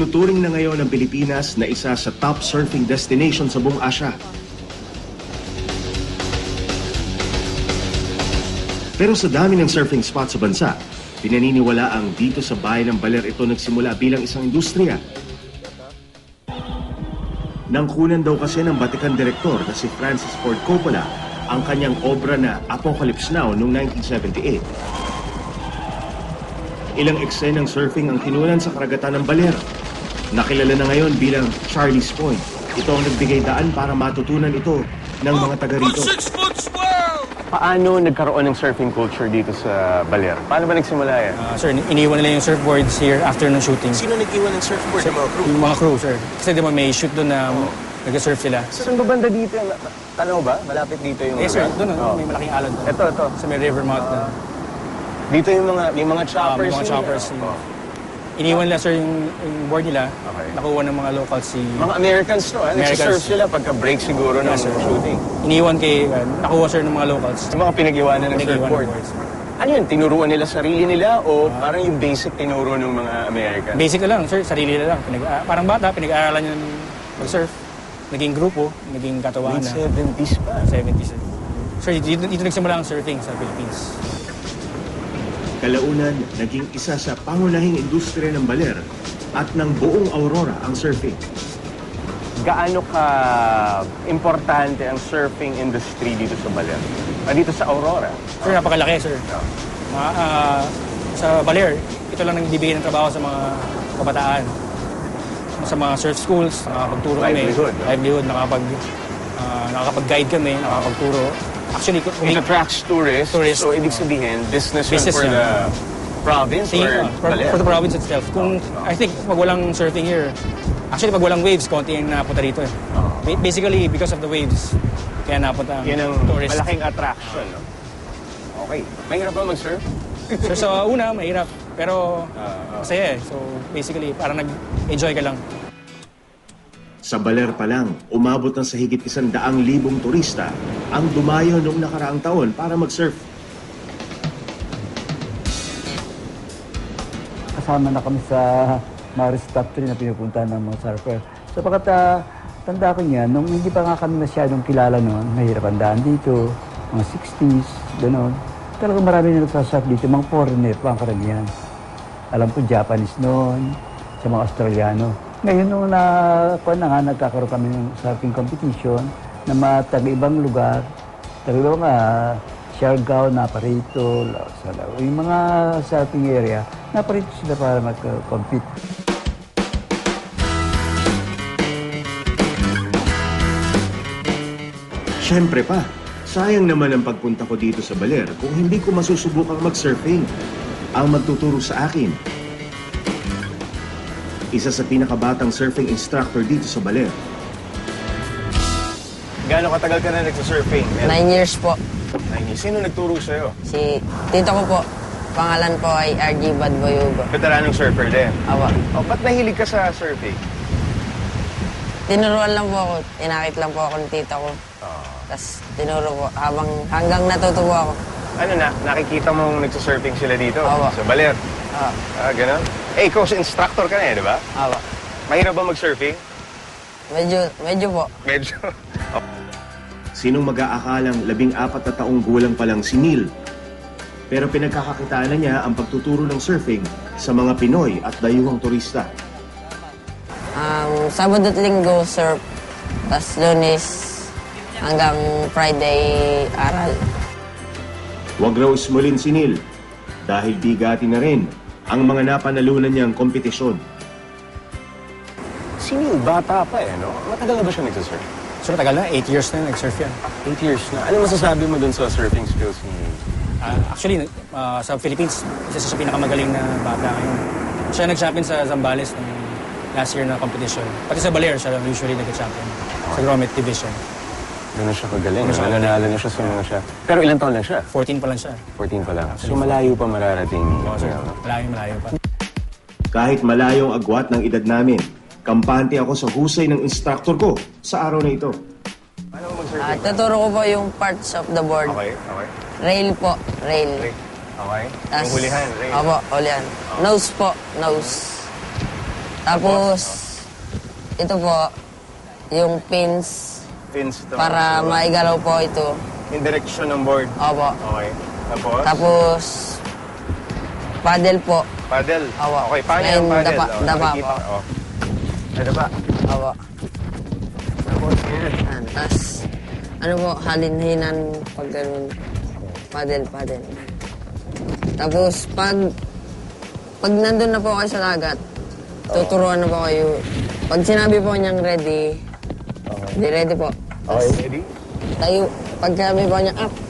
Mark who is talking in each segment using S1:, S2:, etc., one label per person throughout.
S1: Itinuturing na ngayon ng Pilipinas na isa sa top surfing destination sa buong Asia. Pero sa dami ng surfing spot sa bansa, pinaniniwala ang dito sa bayan ng Baler ito nagsimula bilang isang industriya. Nangkunan daw kasi ng Batikan Direktor na si Francis Ford Coppola ang kanyang obra na Apocalypse Now noong 1978. Ilang eksenang surfing ang kinunan sa karagatan ng Baler. Nakilala na ngayon bilang Charlie's Point. Ito ang nagbigay daan para matutunan ito ng mga taga rito.
S2: Paano nagkaroon ng surfing culture dito sa Baler? Paano ba nagsimula yan?
S3: Sir, iniwan nila yung surfboards here after ng shooting.
S2: Sino nag-iwan ng surfboard? Yung mga crew?
S3: Yung mga crew, sir. Kasi di ba may shoot doon na nag-surf sila.
S2: Saan ba banda dito? Tanaw ba? Malapit dito yung...
S3: Yes, sir. Doon, may malaking alon.
S2: Ito.
S3: Sa may river mouth na.
S2: Dito yung mga choppers.
S3: May mga choppers. Iniwan nila, sir, yung board nila.
S2: Okay.
S3: Nakuha ng mga locals si...
S2: Mga Americans to, nagsisurf sila pagka-break siguro ng shooting.
S3: Iniwan nakuha, sir, ng mga locals.
S2: Yung mga pinag-iwanan ng surfboard. Ano yun? Tinuruan nila sarili nila o parang yung basic tinuro ng mga Americans?
S3: Basic na lang, sir. Sarili na lang. Parang bata, pinag-aaralan nyo mag-surf. Naging grupo, naging katawaan na.
S2: 70s pa.
S3: 70s. Sir, dito nagsimula ang surfing sa Philippines.
S1: Kalaunan, naging isa sa pangunahing industriya ng Baler at ng buong Aurora ang surfing.
S2: Gaano ka importante ang surfing industry dito sa Baler? Dito sa Aurora?
S3: Sir, napakalaki, sir. Sa Baler, ito lang nagbibigay ng trabaho sa mga kabataan. Sa mga surf schools, nakakapagturo kami. Livelihood, nakakapag-guide kami, nakakapagturo. Actually,
S2: it attracts tourists. So, ibig sabihin, business for the province or Baler?
S3: For the province itself. I think, pag walang surfing here, actually, pag walang waves, konti yung napunta rito. Basically, because of the waves, kaya napunta ang tourists.
S2: Malaking attraction, no? Okay. Mahirap ba mag-surf?
S3: Sir, sa una, mahirap. Pero, masaya eh. So, basically, parang nag-enjoy ka lang.
S1: Sa Baler pa lang, umabot na sa higit 100,000 turista ang dumayo noong nakaraang taon para mag-surf.
S4: Kasama na kami sa Maris Top 3 na pinupuntahan ng mga surfer. Sapagat tanda ko niya, nung hindi pa nga kami masyadong kilala noon, mahirap ang daan dito, mga 60s, gano'n. Talagang marami na nagsasurf dito, mga foreigner pa ang karamihan. Alam ko, Japanese noon, sa mga Australiano. Ngayon, nung nagkakaroon kami ng surfing competition na mga taga-ibang lugar, taga-ibang Siargao, naparito, yung mga surfing area, naparito sila para mag-compete.
S1: Siyempre pa, sayang naman ang pagpunta ko dito sa Baler kung hindi ko masusubukang mag-surfing. Ang magtuturo sa akin, isa sa pinakabatang surfing instructor dito sa Baler.
S2: Gaano katagal ka na nagsasurfing?
S5: 9 years po.
S2: 9 years. Sino nagturo sa'yo?
S5: Si tito ko po. Pangalan po ay RG Badboyugo.
S2: Veteranong surfer din?
S5: Awa.
S2: Ba't nahilig ka sa surfing?
S5: Tinuruan lang po ako. Tinakit lang po ako ng tito ko. Tapos tinuro po hanggang natuto po ako.
S2: Ano na? Nakikita mong nagsasurfing sila dito?
S5: Awa.
S2: Sa Baler? Ganun? Ikaw si instructor ka na di ba?
S5: Awa.
S2: Mahirap ba mag-surfing?
S5: Medyo po.
S2: Medyo.
S1: Sinong mag-aakalang 14 na taong gulang pa lang si Neil? Pero pinagkakakitaan na niya ang pagtuturo ng surfing sa mga Pinoy at dayuhang turista.
S5: Sabado at Linggo, surf. Tapos Lunes hanggang Friday, aral.
S1: Huwag raw ismulin si Neil dahil bigati na rin ang mga napanalunan niyang kompetisyon.
S2: Si Neil, bata pa no? Matagal na ba siya nagsasurf?
S3: Sir, tagal na. 8 years na nag-surf yan.
S2: 8 years na. Ano masasabi mo dun sa surfing skills ni Neil?
S3: Actually, sa Philippines, isa sa pinakamagaling na bata ngayon. Siya nag-champion sa Zambales ng last year na competition. Pati sa Baler, siya usually nag-champion sa Grommet Division.
S2: Gano'n siya kagaling. Nananalo na siya sa mga siya. Pero ilang taon lang siya?
S3: 14 pa lang siya.
S2: 14 pa lang. So malayo pa mararating.
S3: Oo, sir. Malayo pa.
S1: Kahit malayo ang agwat ng edad namin, kampante ako sa husay ng instructor ko sa araw na ito.
S2: Paano mo mag-surfing?
S5: Tuturo ko po yung parts of the board.
S2: Okay.
S5: Rail po, rail.
S2: Okay. Yung hulihan, rail.
S5: Opo, hulihan. Nose po, nose. Tapos, ito po, yung pins
S2: Pins ito.
S5: para maigalaw po ito.
S2: In direction ng board.
S5: Opo.
S2: Okay. Tapos?
S5: Tapos, paddle po.
S2: Paddle.
S5: Opo.
S2: Okay, paano
S5: Ngayon,
S2: yung paddle?
S5: dapa-
S2: Oh,
S5: dapa
S2: nakikita
S5: po.
S2: ko. Oh. Ay, dapa.
S5: Opo.
S2: Tapos, yan.
S5: Yan. Tapos, ano po, halin-hinan pag ganun. Paddle. Tapos, pag nandun na po kayo sa dagat, tuturuan na po kayo. Pag sinabi po niyang ready, di ready po.
S2: Okay, ready?
S5: Tayo, pag sinabi po niya up.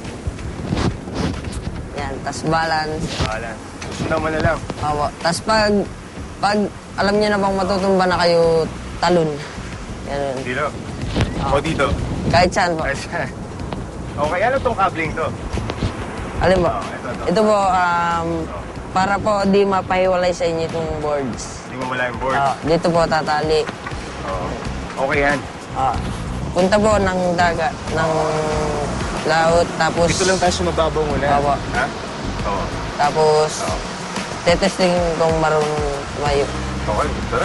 S5: Yan, tapos balance.
S2: Bahala. Susundan mo na lang.
S5: Opo. Tapos pag alam niya na bang matutumba na kayo, talon. Ganun.
S2: Dito. O dito.
S5: Kahit saan po.
S2: Ay, siya. Okay, ano tong cabling to?
S5: Alin po?
S2: Ito.
S5: Ito po, para po di mapahiwalay sa inyo itong boards.
S2: Hindi mo wala yung board.
S5: Dito po tatali.
S2: Oo. Okay yan.
S5: Punta po ng dagat, ng laut, tapos...
S2: Dito lang tayo sumababaw muna.
S5: Opo.
S2: Ha? Oo.
S5: Tapos, tetesting kung marunong tumayo.
S2: Okay, tara.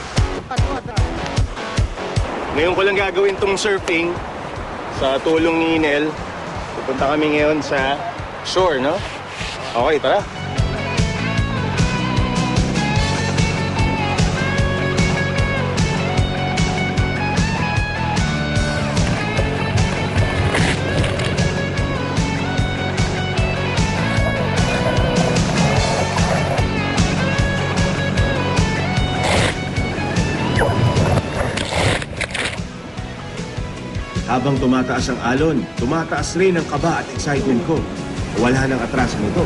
S2: Ngayon ko lang gagawin tong surfing sa tulong ni Nel. Pupunta kami ngayon sa shore, no? Okay, tara.
S1: Habang tumataas ang alon, tumataas rin ang kaba at excitement ko. Wala nang atrasan ito.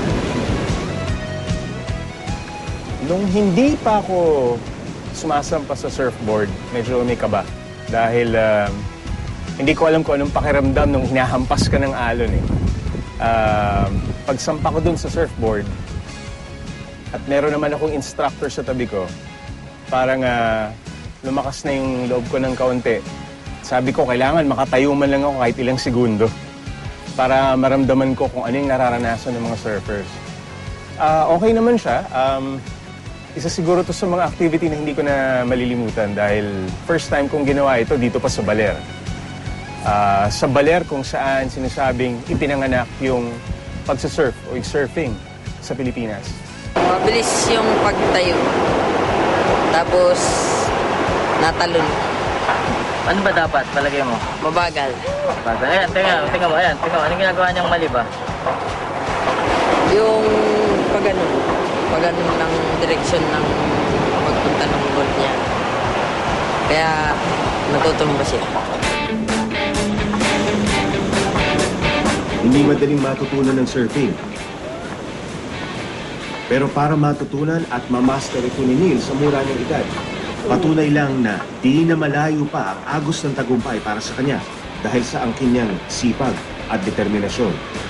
S2: Nung hindi pa ako sumasampa sa surfboard, medyo may kaba. Dahil hindi ko alam kung anong pakiramdam nung hinahampas ka ng alon eh. Pagsampa ko dun sa surfboard, at meron naman akong instructor sa tabi ko, parang lumakas na yung loob ko ng kaunti. Sabi ko, kailangan makatayo man lang ako kahit ilang segundo para maramdaman ko kung ano yung nararanasan ng mga surfers. Okay naman siya. Isa siguro to sa mga activity na hindi ko na malilimutan dahil first time kong ginawa ito dito pa sa Baler. Sa Baler kung saan sinasabing ipinanganak yung pagsasurf o yung surfing sa Pilipinas.
S5: Mabilis yung pagtayo. Tapos, natalon.
S6: Ano ba dapat palagay mo?
S5: Mabagal.
S6: Ayan, tingnan mo. Anong ginagawa niyang mali ba?
S5: Yung pag-ganun ng direksyon ng pagpunta ng board niya. Kaya natutumba siya.
S1: Hindi madaling matutunan ng surfing. Pero para matutunan at mamaster ito ni Neil sa mura niyang edad, patunay lang na di na malayo pa ang agos ng tagumpay para sa kanya dahil sa angkin niyang sipag at determinasyon.